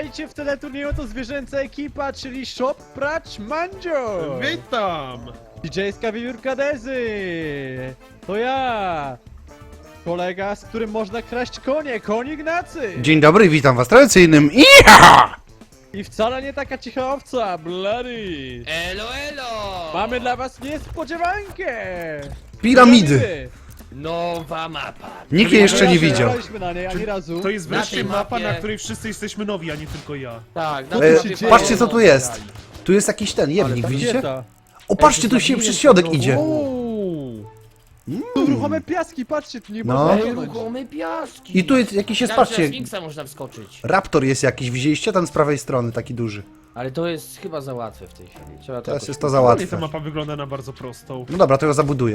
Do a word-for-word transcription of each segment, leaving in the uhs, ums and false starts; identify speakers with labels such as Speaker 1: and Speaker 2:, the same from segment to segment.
Speaker 1: Witajcie w teleturnieju, to zwierzęca ekipa, czyli Shop Pracz Mandzio!
Speaker 2: Witam!
Speaker 1: D J-ska wiewiórka Dezy! To ja! Kolega, z którym można kraść konie, koń Ignacy!
Speaker 3: Dzień dobry, witam was tradycyjnym Iha!
Speaker 1: I wcale nie taka cicha owca, Bloody!
Speaker 4: Elo, elo!
Speaker 1: Mamy dla was niespodziewankę!
Speaker 3: Piramidy!
Speaker 4: Nowa mapa.
Speaker 3: Nikt jej jeszcze nie
Speaker 1: Nie
Speaker 3: widział.
Speaker 1: graliśmy na niej ani razu.
Speaker 2: To jest
Speaker 4: Na
Speaker 2: wreszcie
Speaker 4: tej
Speaker 2: mapa,
Speaker 4: mapie-
Speaker 2: na której wszyscy jesteśmy nowi, a nie tylko ja.
Speaker 4: Tak,
Speaker 1: Co
Speaker 4: na
Speaker 1: tu
Speaker 3: E,
Speaker 1: się
Speaker 4: mapie
Speaker 1: dzieje?
Speaker 3: patrzcie co tu
Speaker 4: fajnie
Speaker 3: jest.
Speaker 4: grali.
Speaker 3: Tu jest jakiś ten jewnik, widzicie?
Speaker 1: Rakieta.
Speaker 3: O, patrzcie, tu się przez środek idzie.
Speaker 1: Uuu. Tu ruchome piaski, patrzcie, tu nie
Speaker 3: No.
Speaker 1: można
Speaker 4: Ej,
Speaker 1: płynąć.
Speaker 4: ruchome piaski.
Speaker 3: I tu jest jakiś jest,
Speaker 4: Myślałem, że
Speaker 3: patrzcie,
Speaker 4: na Sfinksa można wskoczyć.
Speaker 3: raptor jest jakiś, widzieliście? Tam z prawej strony, taki duży.
Speaker 4: Ale to jest chyba za łatwe w tej chwili. Trzeba to
Speaker 3: Teraz
Speaker 4: jakoś-
Speaker 3: jest to za
Speaker 2: Ładnie
Speaker 3: łatwe.
Speaker 2: ta mapa wygląda na bardzo prostą.
Speaker 3: No dobra, to ją zabuduję.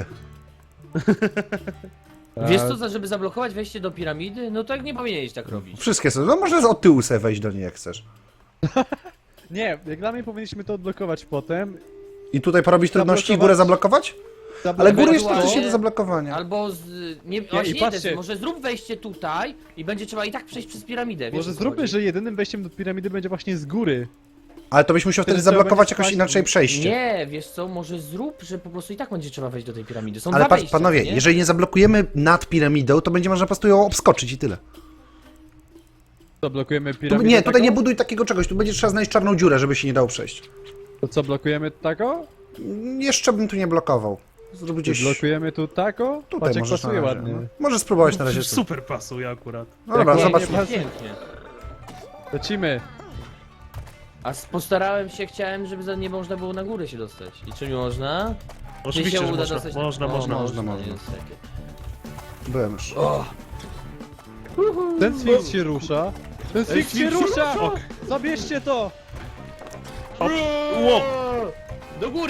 Speaker 4: Wiesz co, za- żeby zablokować wejście do piramidy? No tak nie powinieneś tak robić.
Speaker 3: Wszystkie są, no może od tyłu sobie wejść do niej jak chcesz.
Speaker 1: Nie, jak dla mnie powinniśmy to odblokować potem.
Speaker 3: I tutaj porobić trudności i
Speaker 1: Zablokować-
Speaker 3: górę zablokować? Ale
Speaker 1: Zablokować
Speaker 3: góry jest
Speaker 4: Ewentualnie-
Speaker 3: praktycznie do zablokowania.
Speaker 4: Albo z... Nie, właśnie
Speaker 1: i
Speaker 4: nie,
Speaker 1: patrzcie.
Speaker 4: też, może zrób wejście tutaj i będzie trzeba i tak przejść przez piramidę. Wiesz,
Speaker 1: Może
Speaker 4: o co
Speaker 1: zróbmy,
Speaker 4: chodzi?
Speaker 1: że jedynym wejściem do piramidy będzie właśnie z góry.
Speaker 3: Ale to byś musiał wtedy
Speaker 1: Wtedy trzeba
Speaker 3: zablokować
Speaker 1: będzie
Speaker 3: jakoś
Speaker 1: spać-
Speaker 3: inaczej przejście.
Speaker 4: Nie, wiesz co, może zrób, że po prostu i tak będzie trzeba wejść do tej piramidy. Są
Speaker 3: Ale
Speaker 4: dwa
Speaker 3: patrz,
Speaker 4: wejścia,
Speaker 3: panowie,
Speaker 4: nie?
Speaker 3: jeżeli nie zablokujemy nad piramidą, to będzie można po prostu ją obskoczyć i tyle.
Speaker 1: To blokujemy
Speaker 3: Tu,
Speaker 1: piramidę
Speaker 3: nie, tutaj
Speaker 1: taką?
Speaker 3: nie buduj takiego czegoś, tu będzie trzeba znaleźć czarną dziurę, żeby się nie dało przejść.
Speaker 1: To co, blokujemy tako?
Speaker 3: Jeszcze bym tu nie blokował. Zrób gdzieś...
Speaker 1: Blokujemy tu tako?
Speaker 3: Tutaj
Speaker 1: Patrz jak
Speaker 3: możesz
Speaker 1: pasuje
Speaker 3: na razie,
Speaker 1: ładnie.
Speaker 3: no. Możesz spróbować na razie tu.
Speaker 2: Super pasuje akurat.
Speaker 3: No dobra,
Speaker 1: Jak
Speaker 3: zobacz.
Speaker 1: ładnie pasuje.
Speaker 4: Pięknie.
Speaker 1: Lecimy.
Speaker 4: A s- postarałem się, chciałem, żeby za nie można było na górę się dostać. I czy mi można? Czy
Speaker 2: Oczywiście,
Speaker 4: się
Speaker 2: że
Speaker 4: uda
Speaker 2: można,
Speaker 4: dostać
Speaker 2: można,
Speaker 4: na...
Speaker 2: można,
Speaker 4: o,
Speaker 3: można, można.
Speaker 4: niestety.
Speaker 3: Byłem już.
Speaker 4: O,
Speaker 1: Ten Sphinx się rusza. Ten Sphinx się
Speaker 2: Sphinx się
Speaker 1: rusza!
Speaker 2: rusza!
Speaker 1: Zabierzcie to!
Speaker 2: Hop. Łop.
Speaker 4: do góry!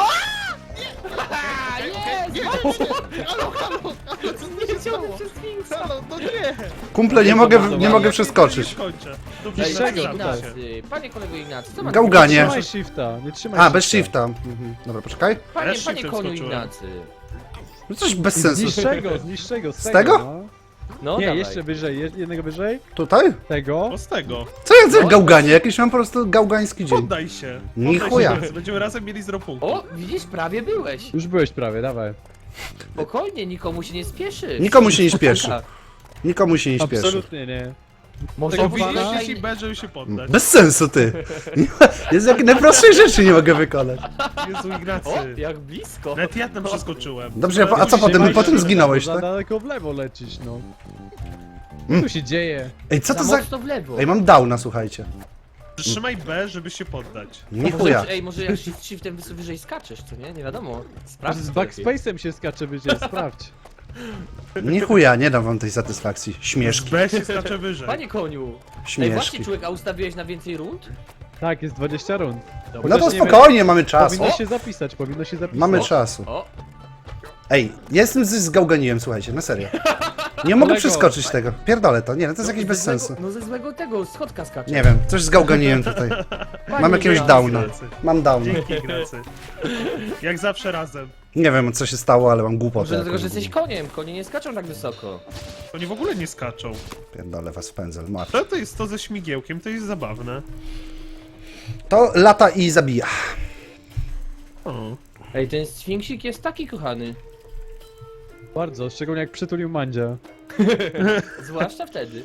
Speaker 3: Kumple, nie mogę, nie mogę
Speaker 2: Nie
Speaker 3: przeskoczyć.
Speaker 2: skończę. Dobrze,
Speaker 4: Ej,
Speaker 1: Niż
Speaker 4: panie
Speaker 1: czego
Speaker 2: zapisałem się.
Speaker 4: Ignacy, panie kolego Ignacy, co ma
Speaker 3: Gałganie.
Speaker 1: Nie
Speaker 3: Nie.
Speaker 1: trzymaj shifta, nie trzymaj
Speaker 3: A, bez shifta. Mhm. Dobra, poczekaj.
Speaker 4: Panie,
Speaker 2: Ja
Speaker 4: panie
Speaker 2: shiftem
Speaker 4: koniu
Speaker 2: skoczyłem.
Speaker 4: Ignacy.
Speaker 3: No coś bez
Speaker 1: Z
Speaker 3: sensu.
Speaker 1: niższego, z niższego, z,
Speaker 3: Z
Speaker 1: tego,
Speaker 3: tego?
Speaker 1: No.
Speaker 4: No
Speaker 1: Nie,
Speaker 4: dawaj.
Speaker 1: jeszcze wyżej, je- jednego wyżej.
Speaker 3: Tutaj?
Speaker 1: Tego.
Speaker 2: O, z tego.
Speaker 3: Co ja za gałganie? Jakiś mam po prostu gałgański dzień.
Speaker 2: Poddaj się.
Speaker 3: Ni
Speaker 2: Poddaj
Speaker 3: chuja.
Speaker 2: się, Dezy. Będziemy razem mieli zero punktów.
Speaker 4: O, widzisz, prawie byłeś.
Speaker 1: Już byłeś prawie, dawaj.
Speaker 4: Spokojnie, nikomu się nie spieszy.
Speaker 3: Nikomu się nie śpieszy. Nikomu się nie śpieszy.
Speaker 1: Absolutnie nie.
Speaker 4: Może
Speaker 1: Tego
Speaker 4: powiedzieć,
Speaker 1: pana-
Speaker 2: Powiedzieć
Speaker 4: że-
Speaker 2: ci B, żeby się poddać.
Speaker 3: Bez sensu, ty. Nie ma- Jest jak najprostszej rzeczy nie mogę wykonać.
Speaker 2: Jezu, Ignacy.
Speaker 4: O, jak blisko.
Speaker 2: Nawet ja tam przeskoczyłem.
Speaker 3: Dobrze, a po- a co
Speaker 2: Ale
Speaker 3: potem?
Speaker 1: Trzymaj
Speaker 3: Potem
Speaker 1: się,
Speaker 3: zginąłeś,
Speaker 1: bo
Speaker 3: tak?
Speaker 1: Za daleko w lewo lecisz, no.
Speaker 3: Mm.
Speaker 1: Co tu się dzieje?
Speaker 3: Ej, co
Speaker 4: za
Speaker 3: to za...
Speaker 4: mocno w lewo.
Speaker 3: Ej, mam downa, słuchajcie.
Speaker 2: Trzymaj B, żeby się poddać.
Speaker 3: Nie
Speaker 4: Może-
Speaker 3: chuja.
Speaker 4: Ej, może jak shift, shiftem wys- wyżej skaczesz, co nie? Nie wiadomo.
Speaker 1: Może
Speaker 4: Sprawdź
Speaker 1: z
Speaker 4: to lepiej.
Speaker 1: backspace'em się skacze wyżej, sprawdź.
Speaker 3: Nie chuja, nie dam wam tej satysfakcji.
Speaker 2: Z
Speaker 3: Śmieszki,
Speaker 2: B się skacze wyżej.
Speaker 4: Panie koniu. Ej, właśnie
Speaker 3: śmieszki.
Speaker 4: człowiek, a ustawiłeś na więcej rund?
Speaker 1: Tak, jest dwadzieścia rund.
Speaker 3: No
Speaker 1: Chociaż
Speaker 3: to
Speaker 1: nie wiem,
Speaker 3: spokojnie, mamy czas.
Speaker 1: Powinno
Speaker 4: O!
Speaker 1: się zapisać, powinno się zapisać.
Speaker 3: Mamy
Speaker 4: O!
Speaker 3: czasu.
Speaker 4: O,
Speaker 3: Ej, ja jestem z zgałganiłem, słuchajcie, na serio. Nie mogę
Speaker 1: Kolego.
Speaker 3: przeskoczyć tego. Pierdolę to, nie, no to jest
Speaker 4: no,
Speaker 3: jakieś
Speaker 4: ze
Speaker 3: bez
Speaker 4: złego-
Speaker 3: sensu.
Speaker 4: No ze złego tego, schodka skacze.
Speaker 3: Nie wiem, coś zgałganiłem tutaj.
Speaker 4: Panie
Speaker 3: Mam jakiegoś
Speaker 4: Ignacy.
Speaker 3: downa. Mam downa.
Speaker 2: Dzięki, Ignacy. Jak zawsze razem.
Speaker 3: Nie wiem, co się stało, ale mam
Speaker 4: Może
Speaker 3: głupotę.
Speaker 4: dlatego, że
Speaker 3: jakąś.
Speaker 4: jesteś koniem. Konie nie skaczą tak wysoko.
Speaker 2: Oni w ogóle nie skaczą.
Speaker 3: Pierdolę was w pędzel, mat.
Speaker 2: To, to jest to ze śmigiełkiem, to jest zabawne.
Speaker 3: To lata i zabija.
Speaker 2: O.
Speaker 4: Ej, ten sfinksik jest taki kochany.
Speaker 1: Bardzo, szczególnie jak przytulił Mandzia.
Speaker 4: Zwłaszcza wtedy.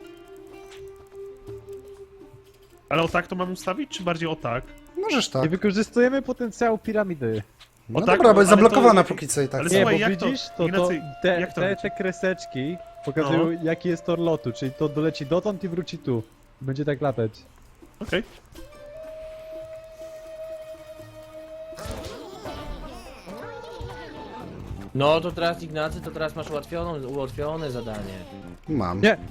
Speaker 2: Ale o tak to mam ustawić, czy bardziej o tak?
Speaker 3: Możesz
Speaker 1: Nie
Speaker 3: tak.
Speaker 1: wykorzystujemy potencjału piramidy.
Speaker 3: No
Speaker 2: O tak,
Speaker 3: dobra, bo jest
Speaker 2: ale to-
Speaker 3: zablokowana póki co i tak.
Speaker 2: ale
Speaker 1: Nie,
Speaker 2: słuchaj,
Speaker 1: bo
Speaker 2: jak to-
Speaker 1: widzisz, to, to,
Speaker 2: Ignacy,
Speaker 1: te,
Speaker 2: jak to
Speaker 1: te,
Speaker 2: leci?
Speaker 1: te kreseczki pokazują jaki jest tor lotu, czyli to doleci dotąd i wróci tu. Będzie tak latać.
Speaker 2: Okej.
Speaker 4: No to teraz Ignacy, to teraz masz ułatwioną, ułatwione zadanie.
Speaker 3: Mam.
Speaker 1: Nie!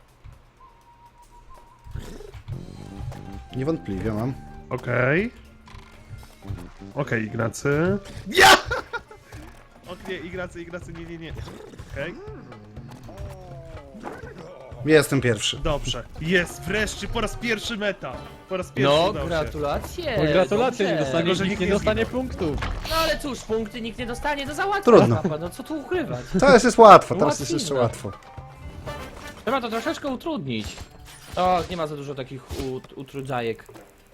Speaker 3: Niewątpliwie mam.
Speaker 2: Okej. Okej, Ignacy. Ja! O nie, Ignacy, Ignacy, nie, nie, nie. Okej.
Speaker 3: Jestem pierwszy.
Speaker 2: Dobrze. Jest, wreszcie, po raz pierwszy meta. Po raz pierwszy
Speaker 4: No,
Speaker 2: udało się.
Speaker 4: gratulacje!
Speaker 1: No gratulacje, nie
Speaker 4: dobrze.
Speaker 1: dostanie,
Speaker 2: Tylko, że
Speaker 1: nikt
Speaker 2: nikt
Speaker 1: nie
Speaker 2: nie
Speaker 1: dostanie
Speaker 2: zginął.
Speaker 1: punktów.
Speaker 4: No ale cóż, punkty nikt nie dostanie, no załatwia
Speaker 3: Trudno.
Speaker 4: mapa, no co tu ukrywać?
Speaker 3: Teraz jest łatwo, teraz jest
Speaker 4: Łatwizna.
Speaker 3: jeszcze łatwo.
Speaker 4: Trzeba to troszeczkę utrudnić. O, nie ma za dużo takich ut utrudzajek.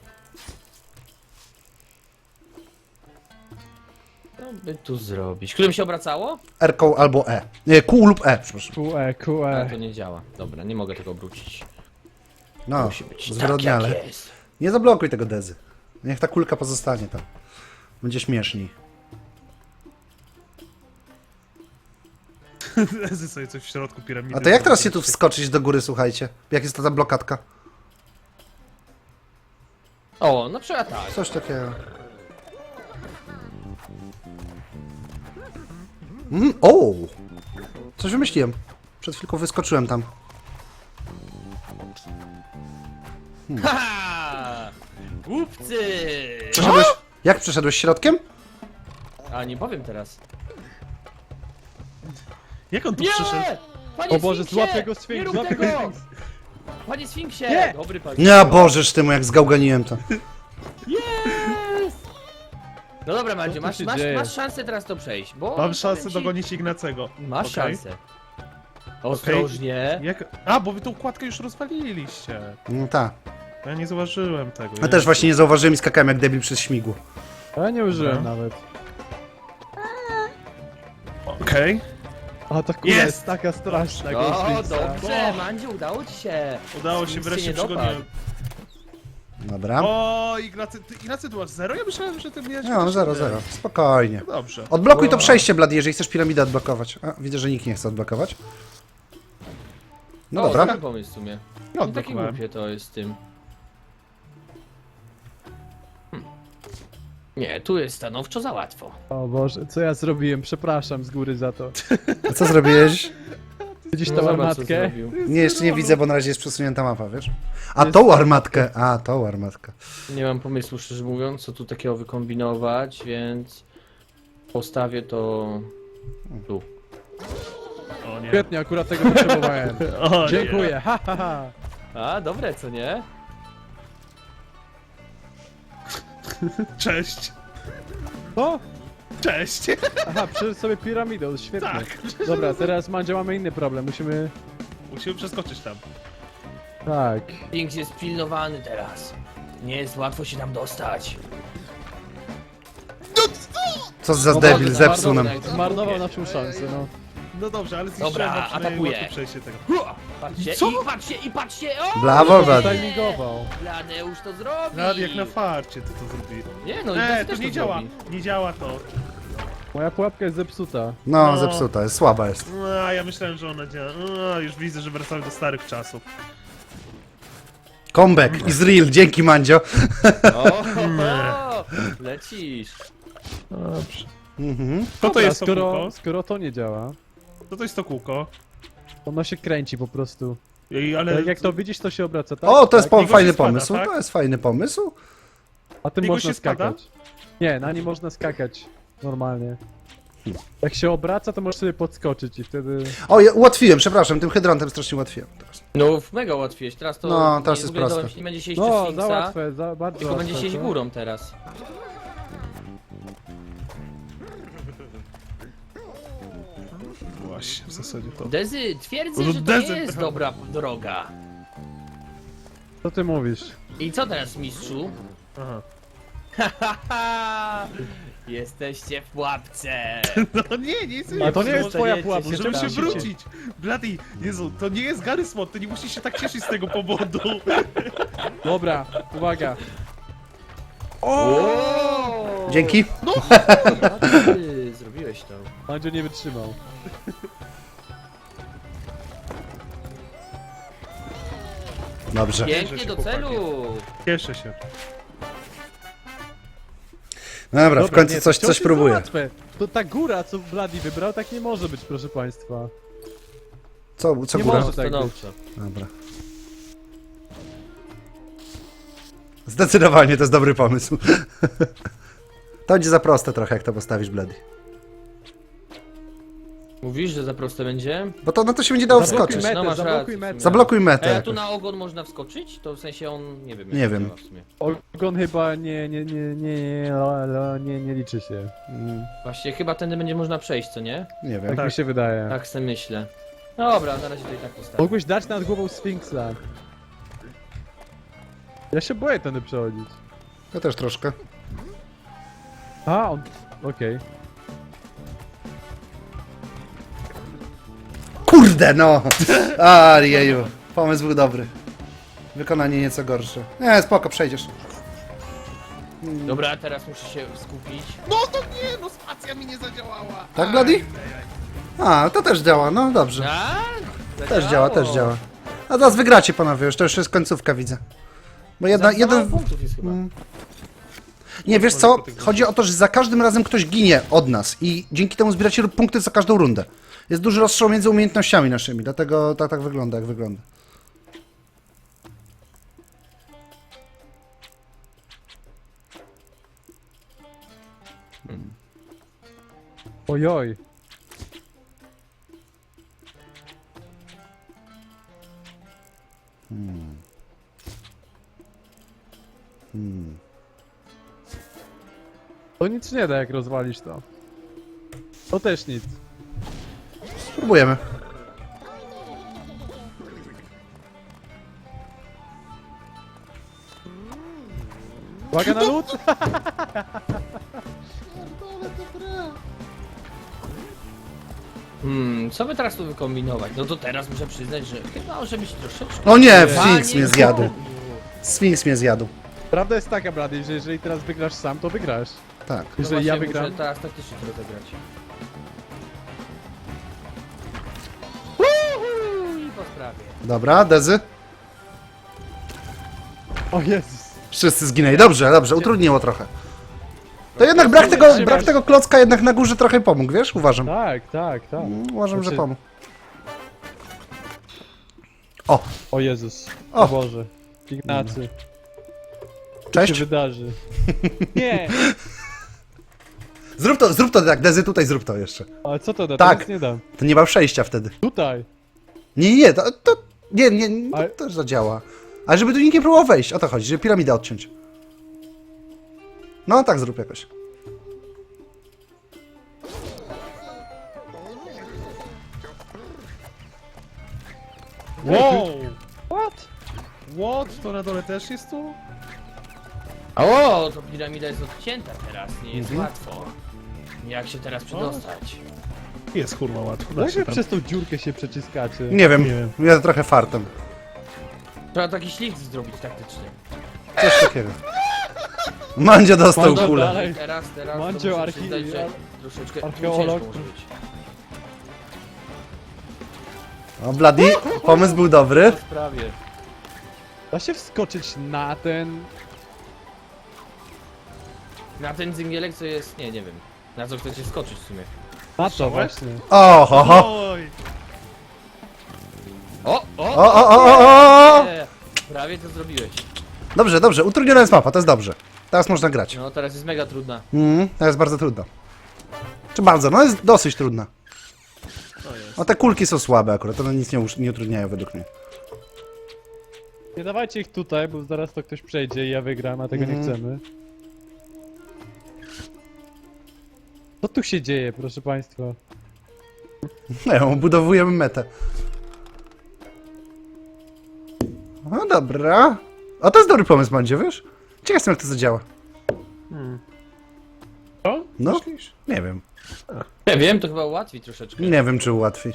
Speaker 4: Co by tu zrobić? Którym się obracało?
Speaker 3: R-ką albo E. Nie, Q lub E, przepraszam.
Speaker 1: Q E, Q
Speaker 4: A,
Speaker 1: E.
Speaker 4: to nie działa. Dobra, nie mogę tego obrócić.
Speaker 3: No,
Speaker 4: Musi być
Speaker 3: zwyrodniale.
Speaker 4: tak, jak jest.
Speaker 3: Nie zablokuj tego Dezy. Niech ta kulka pozostanie tam. Będzie śmieszniej.
Speaker 2: Lezy sobie coś w środku piramidy.
Speaker 3: A to jak teraz się tu wskoczyć do góry, słuchajcie? Jak jest ta, ta blokadka?
Speaker 4: O, na przykład tak.
Speaker 3: Coś takiego. Mm, o! Coś wymyśliłem. Przed chwilką wyskoczyłem tam.
Speaker 4: Haha! Głupcy!
Speaker 3: Przeszedłeś? Jak przeszedłeś środkiem?
Speaker 4: A nie powiem teraz.
Speaker 2: Jak on tu
Speaker 4: Nie!
Speaker 2: przyszedł?
Speaker 4: Panie
Speaker 1: O Boże,
Speaker 4: Sfinksie!
Speaker 1: złap go Sfinks,
Speaker 4: Nie rób
Speaker 1: złap
Speaker 4: tego!
Speaker 1: go Sfinks.
Speaker 4: Panie Sfinksie!
Speaker 1: Nie!
Speaker 4: Dobry panie.
Speaker 3: Nie, Bożeż ty mu, jak zgałganiłem to.
Speaker 4: Yes! No dobra, Mandziu,
Speaker 1: tu
Speaker 4: masz,
Speaker 1: się
Speaker 4: masz,
Speaker 1: dzieje?
Speaker 4: masz szansę teraz to przejść, bo...
Speaker 2: Mam szansę
Speaker 4: powiem ci-
Speaker 2: dogonić Ignacego.
Speaker 4: Masz
Speaker 2: Okej.
Speaker 4: szansę. Ostrożnie.
Speaker 2: Jak... A, bo wy tą kładkę już rozwaliliście.
Speaker 3: No tak.
Speaker 2: Ja nie zauważyłem tego.
Speaker 3: Ja też właśnie nie zauważyłem i skakałem jak debil przez śmigło.
Speaker 1: Ja nie użyłem
Speaker 2: Dobra.
Speaker 1: nawet.
Speaker 2: Okej.
Speaker 1: A ta kula
Speaker 2: Jest!
Speaker 1: jest taka straszna.
Speaker 4: O,
Speaker 1: Ghostface'a.
Speaker 4: dobrze, Mandziu, udało ci się.
Speaker 2: Udało się
Speaker 4: Nic
Speaker 2: wreszcie
Speaker 4: nie dopadł.
Speaker 2: przygoniłem.
Speaker 3: Dobra.
Speaker 2: O, Ignacy, ty, Ignacy, tu masz zero? Ja myślałem, że ty miałeś...
Speaker 3: Nie mam
Speaker 2: chociaż
Speaker 3: zero,
Speaker 2: jeden.
Speaker 3: zero. Spokojnie.
Speaker 2: No dobrze.
Speaker 3: Odblokuj to
Speaker 1: Wow.
Speaker 3: przejście, Blady, jeżeli chcesz piramidę odblokować. A, widzę, że nikt nie chce odblokować. No
Speaker 4: o,
Speaker 3: dobra.
Speaker 4: dobry pomysł w sumie.
Speaker 2: Ja
Speaker 4: Nie takie
Speaker 2: odblokowałem.
Speaker 4: głupie to jest z tym. Hm. Nie, tu jest stanowczo za łatwo.
Speaker 1: O Boże, co ja zrobiłem? Przepraszam z góry za to.
Speaker 3: A co zrobiłeś?
Speaker 1: Widzisz
Speaker 4: No
Speaker 1: tą
Speaker 4: zobacz, co
Speaker 1: armatkę?
Speaker 4: zrobił.
Speaker 3: Nie, jeszcze nie widzę, bo na razie jest przesunięta mapa, wiesz? A
Speaker 1: Jest-
Speaker 3: tą armatkę! A, tą armatkę.
Speaker 4: Nie mam pomysłu, szczerze mówiąc, co tu takiego wykombinować, więc postawię to tu.
Speaker 2: O nie.
Speaker 1: Świetnie, akurat tego potrzebowałem.
Speaker 2: O, nie.
Speaker 1: Dziękuję, ha ha ha.
Speaker 4: A, dobre, co nie?
Speaker 2: Cześć.
Speaker 1: O!
Speaker 2: Cześć.
Speaker 1: Aha, przeszedł sobie piramidą, świetnie.
Speaker 2: Tak.
Speaker 1: Dobra, teraz Mandzio mamy inny problem, musimy...
Speaker 2: Musimy przeskoczyć tam.
Speaker 1: Tak.
Speaker 4: Sphinx jest pilnowany teraz. Nie jest łatwo się tam dostać.
Speaker 3: Co za
Speaker 4: O
Speaker 3: debil,
Speaker 4: Boże,
Speaker 3: zepsuł nam.
Speaker 4: zmarnował
Speaker 1: Zmarnował
Speaker 4: na-
Speaker 1: naszą szansę, no.
Speaker 2: No dobrze, ale zniszczyłem
Speaker 4: Dobra,
Speaker 2: wam przynajmniej
Speaker 4: atakuję.
Speaker 2: łatwe przejście tego.
Speaker 4: Hua! Patrzcie,
Speaker 2: Co?
Speaker 4: i patrzcie, i patrzcie! O!
Speaker 3: Brawo, Blady.
Speaker 1: Timingował.
Speaker 4: Bladeusz to zrobił!
Speaker 2: Nawet jak na farcie ty to zrobiłeś.
Speaker 4: Nie no, i
Speaker 2: Nie,
Speaker 4: Bladeusz
Speaker 2: to
Speaker 4: też
Speaker 2: nie działa.
Speaker 4: zrobi.
Speaker 2: Nie działa to.
Speaker 1: Moja pułapka jest zepsuta.
Speaker 3: No,
Speaker 2: No.
Speaker 3: zepsuta, jest słaba jest.
Speaker 2: No, a ja myślałem, że ona działa. No, już widzę, że wracamy do starych czasów.
Speaker 3: Comeback is real, dzięki Mandzio.
Speaker 4: O, o, lecisz.
Speaker 2: Dobrze.
Speaker 3: Mhm.
Speaker 2: Co to
Speaker 1: Dobra,
Speaker 2: jest to
Speaker 1: skoro,
Speaker 2: kółko?
Speaker 1: skoro to nie działa,
Speaker 2: Co to jest to kółko?
Speaker 1: ono się kręci po prostu.
Speaker 2: Ej, ale...
Speaker 1: Tak jak to widzisz, to się obraca, tak?
Speaker 3: O, to jest
Speaker 1: tak?
Speaker 3: po,
Speaker 2: Niego
Speaker 3: fajny
Speaker 2: się spada,
Speaker 3: pomysł,
Speaker 2: tak?
Speaker 3: to jest fajny pomysł.
Speaker 1: A tym
Speaker 2: Niego
Speaker 1: można
Speaker 2: się spada?
Speaker 1: skakać. Nie, na nim można skakać. Normalnie. Jak się obraca, to możesz sobie podskoczyć i wtedy...
Speaker 3: O, ja ułatwiłem, przepraszam, tym hydrontem strasznie ułatwiłem. Teraz.
Speaker 4: No, mega łatwiej. Teraz to.
Speaker 3: No, teraz
Speaker 4: nie,
Speaker 3: jest
Speaker 4: w ogóle
Speaker 3: proste.
Speaker 4: dołem się nie będzie siedzieć
Speaker 1: No,
Speaker 4: przez
Speaker 1: za
Speaker 4: Sfinksa,
Speaker 1: łatwe, za bardzo
Speaker 4: tylko będzie
Speaker 1: łatwe,
Speaker 4: siedzieć
Speaker 1: co?
Speaker 4: górą teraz.
Speaker 2: Właśnie, w zasadzie to...
Speaker 4: Dezy, twierdzę,
Speaker 2: No,
Speaker 4: że to
Speaker 2: Dezy,
Speaker 4: nie jest
Speaker 2: prawda.
Speaker 4: dobra droga.
Speaker 1: Co ty mówisz?
Speaker 4: I co teraz, mistrzu?
Speaker 2: Aha.
Speaker 4: Haha! Jesteście w pułapce!
Speaker 2: No nie, nie jest...
Speaker 1: A to nie jest twoja
Speaker 4: Dostaniecie
Speaker 1: pułapka,
Speaker 4: się
Speaker 2: Możemy
Speaker 4: tam.
Speaker 2: się wrócić! Bloody, Jezu, to nie jest Gary Smot, ty nie musisz się tak cieszyć z tego powodu.
Speaker 1: Dobra, uwaga.
Speaker 4: O!
Speaker 3: Dzięki.
Speaker 4: No, ty zrobiłeś to.
Speaker 1: Mandzio nie wytrzymał.
Speaker 3: Dobrze.
Speaker 4: Pięknie
Speaker 2: się,
Speaker 4: do
Speaker 2: chłopaki.
Speaker 4: celu!
Speaker 2: Cieszę się.
Speaker 3: Dobra, w
Speaker 1: Dobra,
Speaker 3: końcu
Speaker 1: nie,
Speaker 3: coś,
Speaker 1: to
Speaker 3: coś
Speaker 1: jest
Speaker 3: próbuję.
Speaker 1: łatwe. To ta góra, co Bloody wybrał, tak nie może być, proszę państwa.
Speaker 3: Co, co
Speaker 1: Nie
Speaker 3: góra?
Speaker 1: może. tak
Speaker 4: Stanowczo.
Speaker 3: Dobra. Zdecydowanie to jest dobry pomysł. To będzie za proste trochę, jak to postawisz, Blady.
Speaker 4: Mówisz, że za proste będzie?
Speaker 3: Bo to na to się będzie dało
Speaker 1: Zablokuj
Speaker 3: wskoczyć.
Speaker 1: metę,
Speaker 4: No masz
Speaker 1: zablokuj
Speaker 4: rację w
Speaker 1: metę.
Speaker 4: sumie.
Speaker 3: Zablokuj metę.
Speaker 4: Ej, a tu
Speaker 3: jakoś.
Speaker 4: na ogon można wskoczyć? To w sensie on, nie wiem.
Speaker 3: Nie
Speaker 4: jak
Speaker 3: wiem.
Speaker 4: działa w sumie.
Speaker 1: Ogon chyba nie, nie, nie, nie, nie, lo, lo, nie, nie liczy się.
Speaker 3: Mm,
Speaker 4: Właśnie chyba tędy będzie można przejść, co nie?
Speaker 3: Nie wiem.
Speaker 1: Tak,
Speaker 2: Tak.
Speaker 1: mi się wydaje.
Speaker 4: Tak sobie myślę. Dobra, na razie to i tak postawię.
Speaker 1: Mógłbyś dać nad głową Sfinksa. Ja się boję tędy przechodzić.
Speaker 3: Ja też troszkę.
Speaker 1: A, on... okej.
Speaker 3: Kurde no! A, jeju. Pomysł był dobry. Wykonanie nieco gorsze. Nie, spoko, przejdziesz.
Speaker 4: Dobra, teraz muszę się skupić.
Speaker 2: No to nie, no spacja mi nie zadziałała.
Speaker 3: Tak, Bloody? A, to też działa, no dobrze.
Speaker 4: A?
Speaker 3: Też działa, też działa. A teraz wygracie panowie, już to już jest końcówka, widzę. Bo jedna,
Speaker 4: Za, za mało
Speaker 3: jeden...
Speaker 4: punktów jest chyba.
Speaker 3: Nie, wiesz co? Chodzi o to, że za każdym razem ktoś ginie od nas i dzięki temu zbieracie punkty za każdą rundę. Jest duży rozstrzał między umiejętnościami naszymi, dlatego tak, tak wygląda, jak wygląda.
Speaker 1: Ojoj. To nic nie da, jak rozwalisz to. To też nic.
Speaker 3: Spróbujemy.
Speaker 1: Uwaga na lód!
Speaker 4: Hmm, co by teraz tu wykombinować? No to teraz muszę przyznać, że chyba może być troszeczkę...
Speaker 3: O nie,
Speaker 1: Nie.
Speaker 3: Sphinx mnie
Speaker 4: Panie
Speaker 3: zjadł.
Speaker 4: Bogu.
Speaker 3: Sphinx mnie zjadł.
Speaker 1: Prawda jest taka, Blady, że jeżeli teraz wygrasz sam, to wygrasz.
Speaker 3: Tak.
Speaker 4: No
Speaker 1: Jeżeli ja
Speaker 4: właśnie,
Speaker 1: wygram...
Speaker 4: muszę teraz taktycznie to rozegrać. I po sprawie.
Speaker 3: Dobra, Dezy.
Speaker 1: O Jezus.
Speaker 3: Wszyscy zginęli. Dobrze, dobrze, utrudniło trochę. To jednak brak tego, brak tego klocka jednak na górze trochę pomógł, wiesz? Uważam.
Speaker 1: Tak, tak, tak.
Speaker 3: Mm, Uważam, że
Speaker 1: Znaczy-
Speaker 3: pomógł. O,
Speaker 1: O Jezus.
Speaker 3: O.
Speaker 1: O Boże. Ignacy. Co
Speaker 3: cześć.
Speaker 1: się wydarzy? Nie!
Speaker 3: Zrób to, zrób to tak, Dezy, tutaj zrób to jeszcze.
Speaker 1: Ale co to da?
Speaker 3: Tak.
Speaker 1: Tak. Nie dam.
Speaker 3: To nie ma przejścia wtedy.
Speaker 1: Tutaj.
Speaker 3: Nie, nie, to, to nie, nie, to
Speaker 1: Ale-
Speaker 3: też zadziała. Ale żeby tu nikt nie próbował wejść, o to chodzi, żeby piramidę odciąć. No, tak zrób jakoś.
Speaker 2: Wow!
Speaker 1: What?
Speaker 2: What? To na dole też jest tu?
Speaker 4: O, to piramida jest odcięta teraz, nie jest
Speaker 3: Mhm.
Speaker 4: łatwo. Jak się teraz przedostać?
Speaker 2: Jest kurwa łatwo. da
Speaker 1: Jak
Speaker 2: się
Speaker 1: wy
Speaker 2: tam.
Speaker 1: przez tą dziurkę się przeciskacie?
Speaker 3: Nie wiem,
Speaker 2: Nie wiem.
Speaker 3: ja trochę fartem.
Speaker 4: Trzeba taki ślizg zrobić taktycznie.
Speaker 3: Coś takiego. Mandzio dostał
Speaker 1: Mandzio,
Speaker 3: kulę.
Speaker 1: dalej.
Speaker 4: Teraz, teraz to
Speaker 1: Mandzio,
Speaker 4: muszę
Speaker 1: archi-
Speaker 4: przyznać, że
Speaker 1: ar-
Speaker 4: troszeczkę
Speaker 1: archeolog.
Speaker 4: ciężko może być.
Speaker 3: O, Bloody, pomysł był dobry.
Speaker 1: Prawie. Da się wskoczyć na ten...
Speaker 4: Na ten dzingielek co jest, nie, nie wiem. Na co chcecie skoczyć w sumie.
Speaker 1: Na to właśnie.
Speaker 3: O, ho, ho.
Speaker 2: Oj!
Speaker 4: O, o,
Speaker 3: O, o, o, o, o.
Speaker 4: nie. Prawie to zrobiłeś.
Speaker 3: Dobrze, dobrze, utrudniona jest mapa, to jest dobrze. Teraz można grać.
Speaker 4: No teraz jest mega trudna.
Speaker 3: Mm, to jest bardzo trudna. Czy bardzo? No jest dosyć trudna.
Speaker 2: To jest.
Speaker 3: No te kulki są słabe akurat, one nic nie, usz- nie utrudniają według mnie.
Speaker 1: Nie dawajcie ich tutaj, bo zaraz to ktoś przejdzie i ja wygram, a tego nie
Speaker 3: Mhm.
Speaker 1: chcemy. Co tu się dzieje, proszę państwa?
Speaker 3: Nie, obudowujemy metę. No dobra. O, to jest dobry pomysł, Mandzie, wiesz? Ciekaw jestem, jak to zadziała.
Speaker 2: Co?
Speaker 3: No,
Speaker 2: Myślisz?
Speaker 3: nie wiem.
Speaker 4: Ja wiem, to chyba ułatwi troszeczkę.
Speaker 3: Nie wiem, czy ułatwi.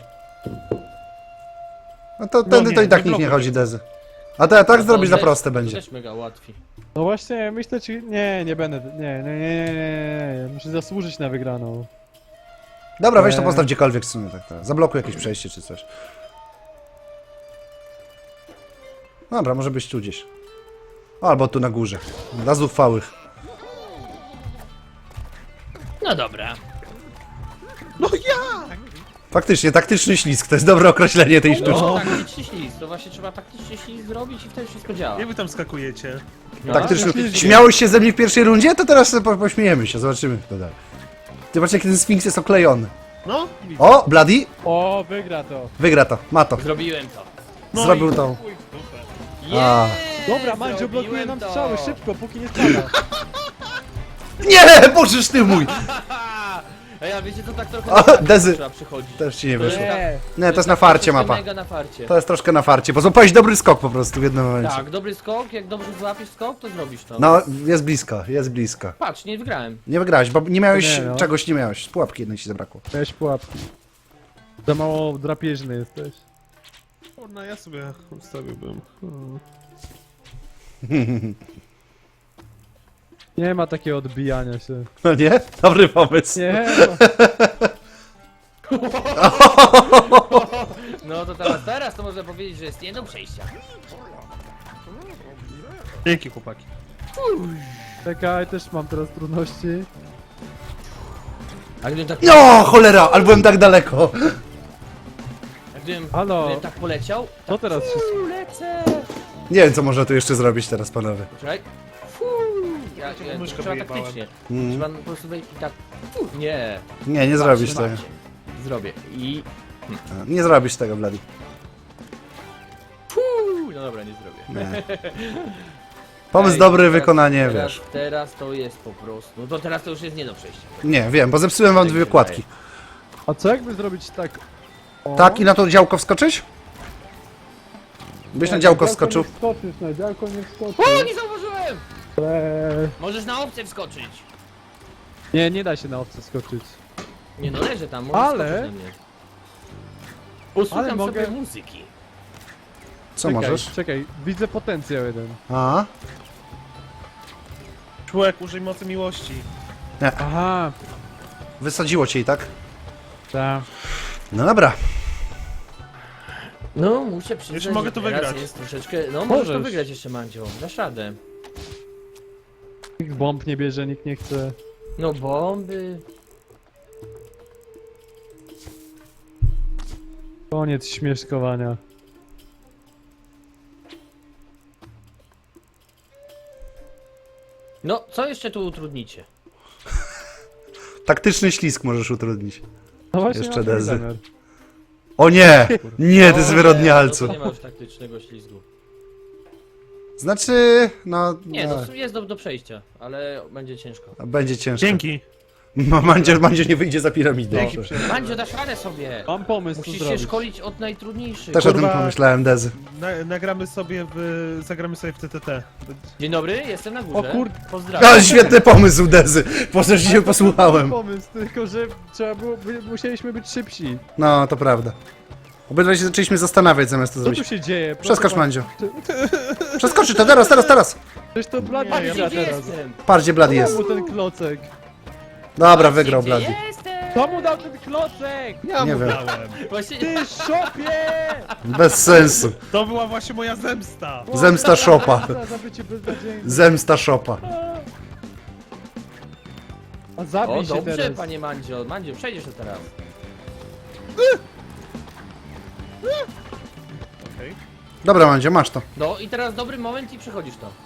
Speaker 3: No to tędy
Speaker 2: nie,
Speaker 3: to i tak
Speaker 2: nie
Speaker 3: nikt nie
Speaker 2: blokuj
Speaker 3: chodzi, Dezy. A to tak
Speaker 4: To
Speaker 3: zrobić za
Speaker 4: też-
Speaker 3: proste
Speaker 4: to
Speaker 3: będzie.
Speaker 4: też mega ułatwi.
Speaker 1: No właśnie, myślę, czy... Nie, nie będę... Nie, nie, nie, nie, nie, nie. Muszę zasłużyć na wygraną.
Speaker 3: Dobra, weź to
Speaker 1: Eee.
Speaker 3: postaw gdziekolwiek w sumie, tak, tak. Zablokuj jakieś przejście czy coś. Dobra, może być tu gdzieś. O, albo tu na górze. Dla zuchwałych.
Speaker 4: No dobra.
Speaker 2: No ja!
Speaker 3: Faktycznie, taktyczny ślizg, to jest dobre określenie tej sztuczki.
Speaker 4: No, taktyczny ślizg, to właśnie trzeba taktyczny ślizg zrobić i wtedy wszystko działa.
Speaker 2: Jak wy tam skakujecie?
Speaker 4: No,
Speaker 3: Taktyczny.
Speaker 1: ślizg.
Speaker 3: Śmiałeś się ze mnie w pierwszej rundzie? To teraz po, pośmiejemy się, zobaczymy kto dalej. Zobacz, jaki ten Sfinks jest oklejony.
Speaker 2: No, widzę.
Speaker 3: O, Bloody,
Speaker 1: O, wygra to.
Speaker 3: wygra to, ma to.
Speaker 4: Zrobiłem to.
Speaker 2: No
Speaker 3: Zrobił
Speaker 2: i
Speaker 3: to.
Speaker 2: chuj w dupę.
Speaker 3: A.
Speaker 1: Dobra, Mandzio
Speaker 4: Zrobiłem
Speaker 1: blokuje nam
Speaker 4: to.
Speaker 1: strzały, szybko, póki nie spada.
Speaker 3: Nie, bożeż ty mój!
Speaker 4: Ej, a wiecie co, tak trochę
Speaker 3: O,
Speaker 4: na farcie
Speaker 3: Dezy.
Speaker 4: trzeba przychodzić.
Speaker 3: Też ci nie
Speaker 4: To
Speaker 3: wyszło.
Speaker 4: jest tak-
Speaker 1: Nie.
Speaker 3: Nie, to jest na farcie
Speaker 4: troszeczkę
Speaker 3: mapa.
Speaker 4: mega na farcie.
Speaker 3: To jest troszkę na farcie, bo złapałeś dobry skok po prostu w jednym momencie.
Speaker 4: Tak, dobry skok, jak dobrze złapiesz skok, to zrobisz to.
Speaker 3: No, jest blisko, jest blisko.
Speaker 4: Patrz, nie wygrałem.
Speaker 3: Nie wygrałeś, bo nie miałeś,
Speaker 1: Nie, no.
Speaker 3: czegoś nie miałeś. Z pułapki jednej ci zabrakło.
Speaker 1: Weź pułapki. Za mało drapieżny jesteś.
Speaker 2: No ja sobie ustawiłbym. Hmm.
Speaker 1: Nie ma takiego odbijania się.
Speaker 3: No nie? Dobry pomysł.
Speaker 1: Nie, no.
Speaker 4: No to teraz, teraz to można powiedzieć, że jest nie do przejścia.
Speaker 2: Dzięki chłopaki.
Speaker 1: Czekaj, też mam teraz trudności.
Speaker 4: A gdybym tak,
Speaker 3: No, cholera, ale byłem tak daleko.
Speaker 4: a gdybym,
Speaker 1: Halo.
Speaker 4: gdybym tak poleciał,
Speaker 1: Co teraz się...
Speaker 4: Fuu, lecę.
Speaker 3: Nie wiem, co można tu jeszcze zrobić teraz, panowie.
Speaker 4: Czekaj. Fuu. Ja, ja,
Speaker 2: tylko myszkę
Speaker 4: trzeba
Speaker 2: wyjebałem.
Speaker 4: taktycznie.
Speaker 3: Mm.
Speaker 4: Trzeba po prostu wejść i tak. Fuu. Nie.
Speaker 3: Nie, nie zrobisz tego.
Speaker 4: Patrzcie. Zrobię. I.
Speaker 3: Nie zrobisz tego, Blady.
Speaker 4: Fuu. No dobra, nie zrobię.
Speaker 3: Nie. Pomysł
Speaker 4: Ej,
Speaker 3: dobry,
Speaker 4: teraz-
Speaker 3: wykonanie,
Speaker 4: teraz,
Speaker 3: wiesz.
Speaker 4: Teraz to jest po prostu. No to teraz to już jest nie do przejścia.
Speaker 3: Nie, wiem, bo zepsułem wam
Speaker 4: Tak
Speaker 3: dwie
Speaker 4: się
Speaker 3: wykładki.
Speaker 1: A co jakby zrobić tak... O.
Speaker 3: Tak, i na to działko wskoczyć? Byś na działko wskoczył.
Speaker 1: Nie wskoczysz, na działko nie wskoczysz.
Speaker 4: O, nie zauważyłem!
Speaker 1: Eee,
Speaker 4: Możesz na obce wskoczyć.
Speaker 1: Nie, nie da się na obce skoczyć.
Speaker 4: Nie no, leżę tam, możesz
Speaker 1: Ale-
Speaker 4: skoczyć na mnie. Posłucham
Speaker 1: Ale mogę-
Speaker 4: sobie muzyki.
Speaker 3: Co
Speaker 1: czekaj,
Speaker 3: możesz?
Speaker 1: Czekaj, widzę potencjał jeden.
Speaker 3: A?
Speaker 2: Człowiek, użyj mocy miłości.
Speaker 1: Aha,
Speaker 3: Wysadziło cię i tak?
Speaker 1: tak.
Speaker 3: No dobra.
Speaker 4: No, muszę przyznać,
Speaker 2: Jeszcze mogę
Speaker 4: że
Speaker 2: to
Speaker 4: teraz
Speaker 2: wygrać.
Speaker 4: jest troszeczkę... No, możesz to
Speaker 1: Możesz.
Speaker 4: wygrać jeszcze, Mandzio. Dasz radę.
Speaker 1: Nikt bomb nie bierze, nikt nie chce.
Speaker 4: No, bomby...
Speaker 1: Koniec śmieszkowania.
Speaker 4: No, co jeszcze tu utrudnicie?
Speaker 3: Taktyczny ślizg możesz utrudnić.
Speaker 1: No właśnie
Speaker 3: Jeszcze
Speaker 1: mam taki
Speaker 3: Dezy.
Speaker 1: zamiar.
Speaker 3: O nie! Nie, ty
Speaker 4: O,
Speaker 3: zwyrodnialcu.
Speaker 4: No, to nie ma już taktycznego ślizgu.
Speaker 3: Znaczy, no...
Speaker 4: Nie,
Speaker 3: no,
Speaker 4: no, jest do, do przejścia, ale będzie ciężko.
Speaker 3: będzie ciężko.
Speaker 2: Dzięki.
Speaker 3: Ma- Mandzio, Mandzio nie wyjdzie za piramidę.
Speaker 2: Dzięki.
Speaker 4: Mandzio, dasz radę sobie!
Speaker 1: Mam pomysł, co
Speaker 4: Musisz się
Speaker 1: zrobić.
Speaker 4: szkolić od najtrudniejszych.
Speaker 3: Też o
Speaker 2: Kurwa.
Speaker 3: tym pomyślałem, Dezy.
Speaker 2: Na, nagramy sobie w... zagramy sobie w T T T.
Speaker 4: Dzień dobry, jestem na górze.
Speaker 1: O kur-
Speaker 4: Pozdrawiam.
Speaker 3: Ale świetny pomysł, Dezy! Po co się posłuchałem.
Speaker 1: Pomysł, tylko że trzeba było, by- musieliśmy być szybsi.
Speaker 3: No, to prawda. Obydwaj się zaczęliśmy zastanawiać zamiast to
Speaker 1: Co tu
Speaker 3: zrobić.
Speaker 1: się dzieje?
Speaker 3: Przeskocz,
Speaker 1: Proszę
Speaker 3: Mandzio. Przeskoczy to, teraz, teraz, teraz!
Speaker 1: Przecież to Blady
Speaker 2: Nie, ja
Speaker 1: wygra
Speaker 4: Gdzie
Speaker 1: teraz.
Speaker 4: jestem?
Speaker 3: Patrz, gdzie Blady jest.
Speaker 1: Komu ten klocek?
Speaker 3: Dobra, wygrał
Speaker 4: Gdzie
Speaker 3: Blady.
Speaker 4: jestem?
Speaker 1: Komu dał ten klocek?
Speaker 2: Ja
Speaker 3: Nie
Speaker 2: mu
Speaker 3: wiem.
Speaker 2: dałem.
Speaker 4: Właśnie...
Speaker 1: Ty szopie!
Speaker 3: Bez sensu.
Speaker 2: To była właśnie moja zemsta.
Speaker 3: Zemsta szopa.
Speaker 1: Za zabycie beznadziejne.
Speaker 3: Zemsta szopa.
Speaker 1: A
Speaker 4: O,
Speaker 1: zabij się
Speaker 4: dobrze,
Speaker 1: teraz.
Speaker 4: panie Mandzio. Mandzio, przejdziesz to teraz.
Speaker 2: Okej.
Speaker 3: Dobra, Mandzio, masz to.
Speaker 4: No i teraz dobry moment i przechodzisz to.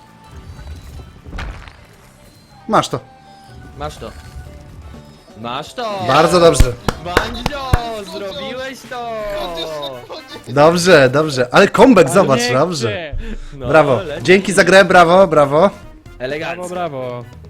Speaker 3: Masz to.
Speaker 4: Masz to. Masz to!
Speaker 3: Bardzo dobrze.
Speaker 4: Mandzio, zrobiłeś to!
Speaker 3: Dobrze, dobrze. Ale comeback,
Speaker 1: Ale
Speaker 3: zobacz,
Speaker 1: nie
Speaker 3: dobrze.
Speaker 1: chcę.
Speaker 4: No,
Speaker 3: Brawo.
Speaker 4: leci.
Speaker 3: Dzięki za grę, brawo, brawo.
Speaker 4: Elegancko.
Speaker 1: Brawo, brawo.